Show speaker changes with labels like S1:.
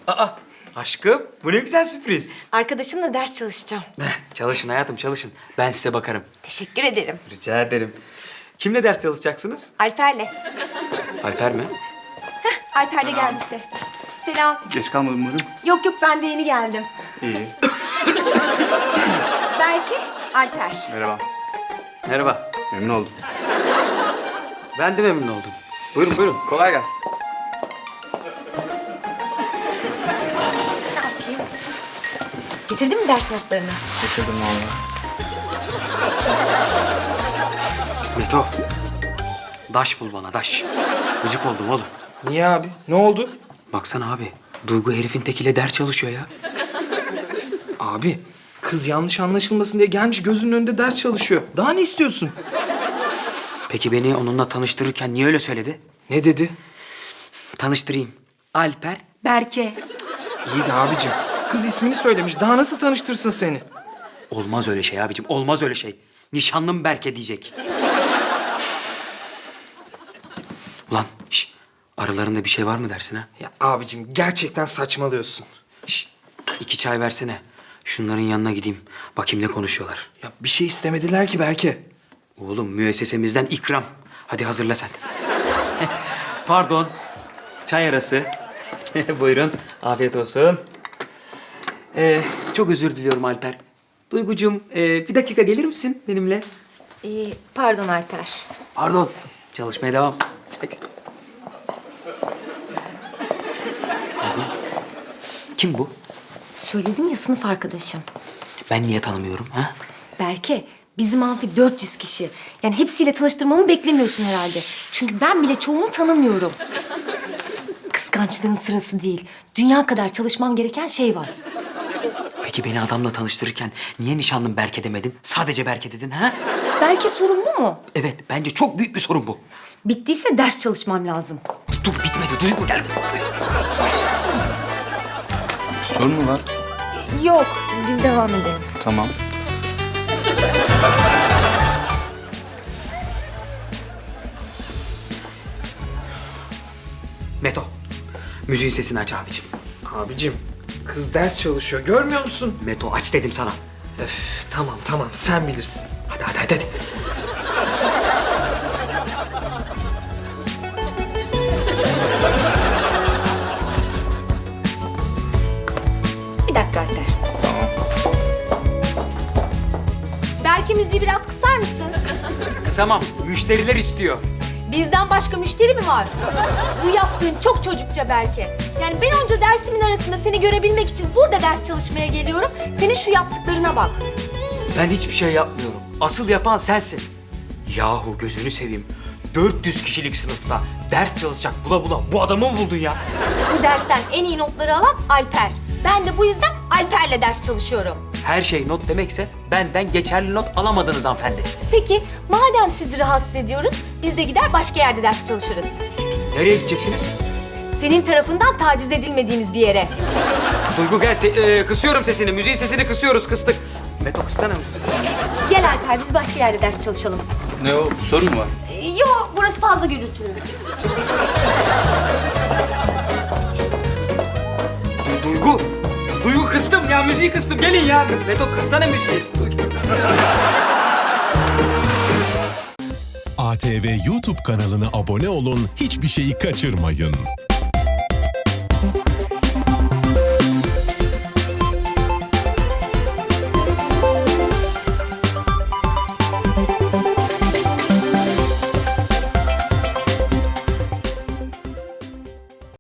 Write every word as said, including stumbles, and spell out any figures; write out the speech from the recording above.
S1: Aa, aşkım bu ne güzel sürpriz.
S2: Arkadaşımla ders çalışacağım.
S1: Eh, çalışın hayatım çalışın. Ben size bakarım.
S2: Teşekkür ederim.
S1: Rica ederim. Kimle ders çalışacaksınız?
S2: Alper'le.
S1: Alper mi?
S2: Alper de geldi işte. Selam.
S3: Geç kalmadım umarım.
S2: Yok yok ben de yeni geldim.
S3: İyi.
S2: Belki Alper.
S3: Merhaba.
S1: Merhaba.
S3: Memnun oldum.
S1: Ben de memnun oldum. Buyurun buyurun. Kolay gelsin.
S2: Ne yapayım? Getirdin mi ders notlarını?
S3: Getirdim valla.
S1: Meto. Daş bul bana daş. Gıcık oldum oğlum.
S4: Niye abi? Ne oldu?
S1: Baksana abi. Duygu herifin tekiyle ders çalışıyor ya.
S4: Abi kız yanlış anlaşılmasın diye gelmiş gözünün önünde ders çalışıyor. Daha ne istiyorsun?
S1: Peki beni onunla tanıştırırken niye öyle söyledi?
S4: Ne dedi?
S1: Tanıştırayım. Alper Berke.
S4: İyi de abicim. Kız ismini söylemiş. Daha nasıl tanıştırsın seni?
S1: Olmaz öyle şey abicim. Olmaz öyle şey. Nişanlım Berke diyecek. Ulan şş, aralarında bir şey var mı dersin ha?
S4: Ya abicim gerçekten saçmalıyorsun.
S1: Şş, iki çay versene. Şunların yanına gideyim. Bakayım ne konuşuyorlar.
S4: Ya bir şey istemediler ki Berke.
S1: Oğlum müessesemizden ikram. Hadi hazırla sen. Pardon. Çay arası. Buyurun. Afiyet olsun. Ee, çok özür diliyorum Alper. Duygucuğum ee, bir dakika gelir misin benimle?
S2: Ee, pardon Alper.
S1: Pardon. Çalışmaya devam. Hadi. Kim bu?
S2: Söyledim ya sınıf arkadaşım.
S1: Ben niye tanımıyorum ha?
S2: Berke, bizim amfi dört yüz kişi. Yani hepsiyle tanıştırmamı beklemiyorsun herhalde. Çünkü ben bile çoğunu tanımıyorum. Kıskançlığın sırası değil. Dünya kadar çalışmam gereken şey var.
S1: Peki beni adamla tanıştırırken niye nişanlım Berke demedin? Sadece Berke dedin ha?
S2: Berke sorun bu mu?
S1: Evet, bence çok büyük bir sorun bu.
S2: Bittiyse ders çalışmam lazım.
S1: Dur, dur bitmedi. Duygu gel.
S3: Bir sorun mu var?
S2: Yok, biz devam edelim.
S3: Tamam.
S1: Meto, müziğin sesini aç abicim.
S4: Abicim kız ders çalışıyor. Görmüyor musun?
S1: Meto aç dedim sana.
S4: Öf, tamam tamam sen bilirsin.
S1: Hadi hadi hadi. hadi.
S2: Bir dakika Alper. Berke müziği biraz kısar mısın?
S1: Kısamam, müşteriler istiyor.
S2: Bizden başka müşteri mi var? Bu yaptığın çok çocukça Berke. Yani ben onca dersimin arasında seni görebilmek için burada ders çalışmaya geliyorum. Senin şu yaptıklarına bak.
S1: Ben hiçbir şey yapmıyorum. Asıl yapan sensin. Yahu gözünü seveyim. dört yüz kişilik sınıfta ders çalışacak bula bula bu adamı mı buldun ya?
S2: Bu dersten en iyi notları alan Alper. Ben de bu yüzden Alper'le ders çalışıyorum.
S1: Her şey not demekse benden geçerli not alamadınız hanımefendi.
S2: Peki madem sizi rahatsız ediyoruz, biz de gider başka yerde ders çalışırız.
S1: Nereye gideceksiniz?
S2: Senin tarafından taciz edilmediğimiz bir yere.
S1: Duygu gel, te- e, kısıyorum sesini, müziğin sesini kısıyoruz, kıstık. Meto kıssana müziği.
S2: Gel Alper, biz başka yerde ders çalışalım.
S3: Ne o? Bir sorun mu var?
S2: Ee, Yok, burası fazla gürültülü.
S1: Du- Duygu, Duygu kıstım ya, müziği kıstım. Gelin ya. Meto kıssana müziği.
S5: A T V YouTube kanalına abone olun, hiçbir şeyi kaçırmayın.